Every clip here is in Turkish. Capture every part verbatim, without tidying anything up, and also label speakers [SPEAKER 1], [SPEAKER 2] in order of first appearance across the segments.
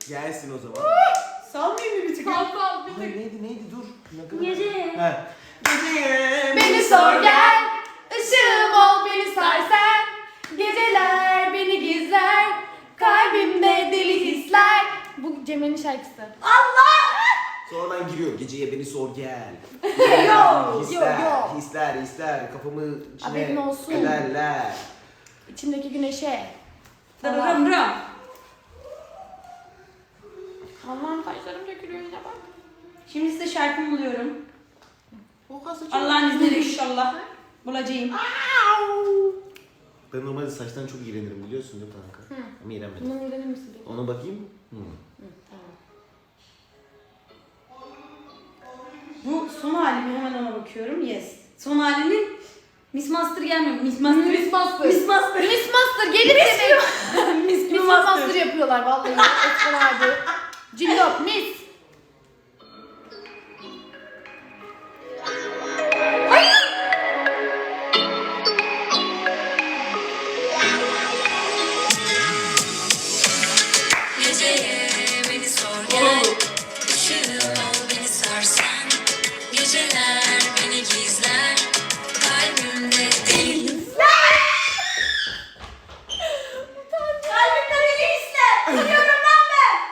[SPEAKER 1] Gelsin o zaman.
[SPEAKER 2] Salmayayım mı bir tık?
[SPEAKER 3] Sal sal bir
[SPEAKER 1] Hayır
[SPEAKER 3] tık.
[SPEAKER 1] neydi neydi dur. Ne kadar-
[SPEAKER 3] Gece.
[SPEAKER 1] He. Gece.
[SPEAKER 2] Beni sor gel, ışığım ol beni sar sen. Geceler beni gizler, kalbimde deli hisler. Bu Cemre'nin şarkısı.
[SPEAKER 1] Sonradan giriyor. Geceye beni sor gel.
[SPEAKER 2] Yo,
[SPEAKER 1] hisler,
[SPEAKER 2] yo, yo.
[SPEAKER 1] hisler, hisler. Kafamı
[SPEAKER 2] Haberin
[SPEAKER 1] içine
[SPEAKER 2] olsun.
[SPEAKER 1] ederler.
[SPEAKER 2] İçimdeki güneşe.
[SPEAKER 3] Dırırım rım.
[SPEAKER 2] Allah'ım saçlarım dökülüyor yine bak.
[SPEAKER 3] Şimdi size şarkımı buluyorum.
[SPEAKER 2] Oha saçım.
[SPEAKER 3] Allah'ın izniyle inşallah bulacağım.
[SPEAKER 1] Ben normalde saçtan çok iğrenirim biliyorsun değil mi kanka?
[SPEAKER 2] Hı.
[SPEAKER 1] Ama iğrenmedim.
[SPEAKER 2] Bundan öğrenir misin? peki?
[SPEAKER 1] Ona bakayım. Hı.
[SPEAKER 2] Hı, tamam.
[SPEAKER 3] Bu son halimi hemen ona bakıyorum. Yes. Son halinin Miss Master gelmiyor. Miss Master.
[SPEAKER 2] Miss Master.
[SPEAKER 3] Miss Master.
[SPEAKER 2] Miss Master gelir demek.
[SPEAKER 3] Miss
[SPEAKER 2] Miss Master yapıyorlar vallahi. Eskilerdi. Cillop Miss.
[SPEAKER 4] Geceye beni sor gel, ışığım ol beni sarsan. Geceler beni gizler, kalbimde deli.
[SPEAKER 3] Kalbimde deli hisler. Seviyorum lan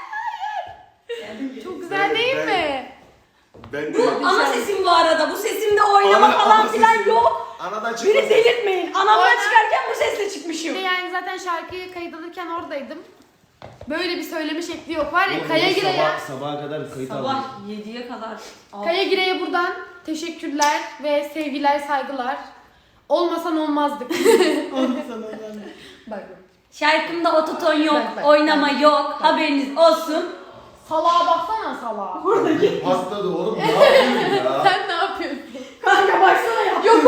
[SPEAKER 3] ben.
[SPEAKER 2] Çok güzel değil mi?
[SPEAKER 1] Ben de.
[SPEAKER 3] Bu ana sesim bu arada. Bu sesimde oynama
[SPEAKER 1] Ana-
[SPEAKER 3] falan
[SPEAKER 1] ana
[SPEAKER 3] filan
[SPEAKER 1] sesi.
[SPEAKER 3] yok.
[SPEAKER 1] Anadan çıkmasın.
[SPEAKER 3] Beni delirtmeyin. Anamdan
[SPEAKER 2] Aynen.
[SPEAKER 3] çıkarken bu sesle
[SPEAKER 2] Bir
[SPEAKER 3] çıkmışım.
[SPEAKER 2] de yani zaten şarkıyı kayıt alırken oradaydım. Böyle bir söyleme şekli yok var ya
[SPEAKER 1] Oğlum,
[SPEAKER 2] Kaya
[SPEAKER 1] sabah-
[SPEAKER 2] Gire'ye.
[SPEAKER 1] Sabaha kadar kayıt aldım.
[SPEAKER 3] Sabah yediye kadar.
[SPEAKER 2] Kaya Gire'ye buradan teşekkürler ve sevgiler saygılar. Olmasan olmazdık. Bak.
[SPEAKER 3] Şarkımda ototon yok,
[SPEAKER 2] Bak, bak,
[SPEAKER 3] oynama yok. Haberiniz olsun.
[SPEAKER 2] Salağa baksana salağa.
[SPEAKER 1] Patladı oğlum ne yapıyorsun ya?
[SPEAKER 2] Sen ne yapıyorsun?
[SPEAKER 3] Kanka baksana ya.
[SPEAKER 2] Yok